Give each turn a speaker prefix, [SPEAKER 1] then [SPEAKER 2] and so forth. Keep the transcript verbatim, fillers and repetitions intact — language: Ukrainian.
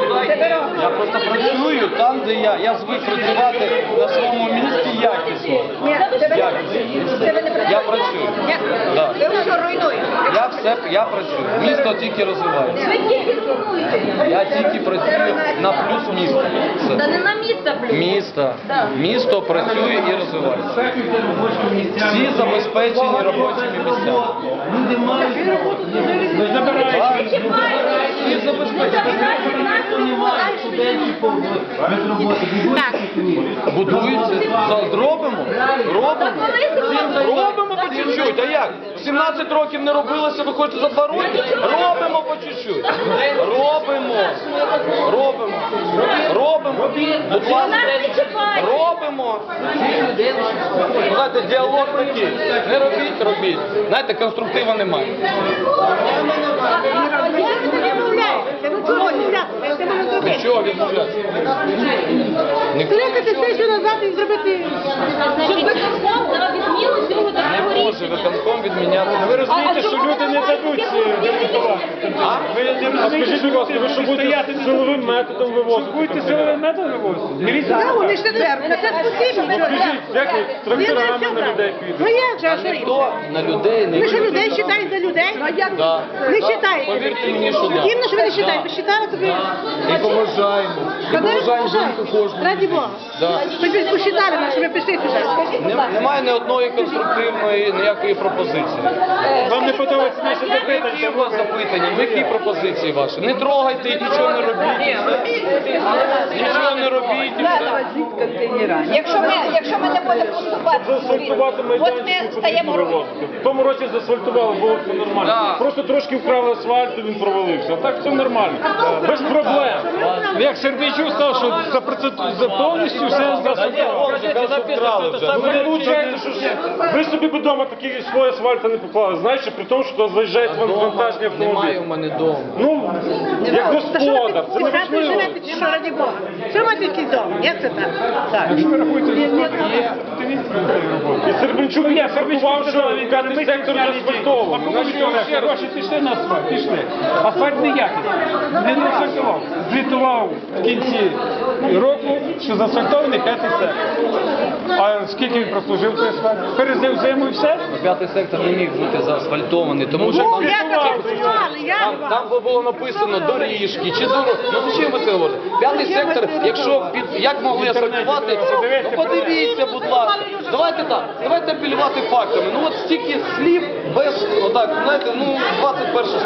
[SPEAKER 1] Я просто працюю там, де я, я звик працювати на своєму місці якісно. Якісно. Я працюю. Да.
[SPEAKER 2] Ви все руйнуєте.
[SPEAKER 1] Я все, я працюю. Місто тільки розвивається. Я тільки працюю на плюс міста. Все.
[SPEAKER 2] Та не на місто плюс.
[SPEAKER 1] Місто. Місто працює і розвивається. Всі забезпечені робочими місцями.
[SPEAKER 3] Люди мають роботу, не забирають.
[SPEAKER 1] Всі забезпечені.
[SPEAKER 3] Немає студентів без роботи.
[SPEAKER 1] Будуються. Зробимо. Робимо. Робимо по чуть-чуть. А як? сімнадцять років не робилося, ви хочете за два роки? Робимо по чуть-чуть. Робимо. Робимо. Робимо. Будь ласка. Робимо. Знаєте, діалог такий. Не робіть, робіть. Знаєте, конструктива немає. Від чого відмовлятися?
[SPEAKER 4] Кликати сесію назад і зробити.
[SPEAKER 2] Щоб виконком дав відміну цього такого
[SPEAKER 1] Не може
[SPEAKER 2] рішення.
[SPEAKER 1] виконком відміняти.
[SPEAKER 5] Ви розумієте, що люди не дадуть демонтувати. Ви не розумієте, будь ласка, ви що будете силовим методом вивозити? Будете силовим методом вивозити?
[SPEAKER 4] Так, вони ж не треба. Це спасибо.
[SPEAKER 5] Скажіть, як ви тракторами на людей
[SPEAKER 4] Ну
[SPEAKER 5] підете?
[SPEAKER 4] як же, а що їм?
[SPEAKER 1] Ніхто на людей не
[SPEAKER 4] Ви що людей вважаєте за людей?
[SPEAKER 1] Да.
[SPEAKER 4] Не вважаєте.
[SPEAKER 1] Повірте мені, що да.
[SPEAKER 4] Іменно, що ви не вважаєте. Ви вважали тобі?
[SPEAKER 1] І поважаємо. І поважаємо жінку кожну.
[SPEAKER 4] Раді Бога.
[SPEAKER 1] Да.
[SPEAKER 4] Ви ж посчитали нас, що ви пішли сюди.
[SPEAKER 1] Не- Немає ні одної конструктивної ніякої пропозиції.
[SPEAKER 5] Вам не подобається наше запитання?
[SPEAKER 1] Які у вас запитання? Які пропозиції ваші? Не трогайте і нічого не робіть. Нічого не робіть. і все.
[SPEAKER 2] Якщо ми, якщо ми не будемо поступати,
[SPEAKER 5] Заасфальтувати
[SPEAKER 2] от
[SPEAKER 5] майданчик
[SPEAKER 2] ми
[SPEAKER 5] потрібно
[SPEAKER 2] стаємо
[SPEAKER 5] вивозити. В тому році заасфальтували, було все нормально.
[SPEAKER 1] Да.
[SPEAKER 5] Просто трошки вкрали асфальт, і він провалився. А так все нормально. Без проблем. Як Сердійчук сказав, що за, процент- за повністю все заасфальтували. Ну, ви виходить, що ж ви собі б вдома такі свої асфальти не поклали. Знаєте, при тому, що заїжджають вам вантажні
[SPEAKER 1] Немає
[SPEAKER 5] автомобілі.
[SPEAKER 1] у мене дому.
[SPEAKER 5] Ну, як
[SPEAKER 4] Та що ви
[SPEAKER 5] господар, це
[SPEAKER 4] під
[SPEAKER 5] не
[SPEAKER 4] хатою
[SPEAKER 5] важливо.
[SPEAKER 4] живете, чи що, раді Бога? Що маєте якийсь дом? Як це так? Так.
[SPEAKER 5] І Сербенчук я фарбував, що п'ятий сектор заасфальтований.
[SPEAKER 6] Гроші пішли на асфальт, пішли. Асфальт неякий. Не заасфальтував. Звітував в кінці року, що заасфальтований п'ятий сектор. А скільки він прослужив той асфальт? Перезив зиму і все?
[SPEAKER 1] П'ятий сектор не міг бути заасфальтований, тому що
[SPEAKER 4] Ну,
[SPEAKER 1] там,
[SPEAKER 4] як заасфальтували, як?
[SPEAKER 1] там, там було написано доріжки чи дороги. Ну зачем ви це говорите? П'ятий сектор, якщо під як могли асфальтувати, ну подивіться, будь ласка. Давайте так, давайте апелювати фактами. Ну от стільки слів без, отак, знаєте, ну двадцять перше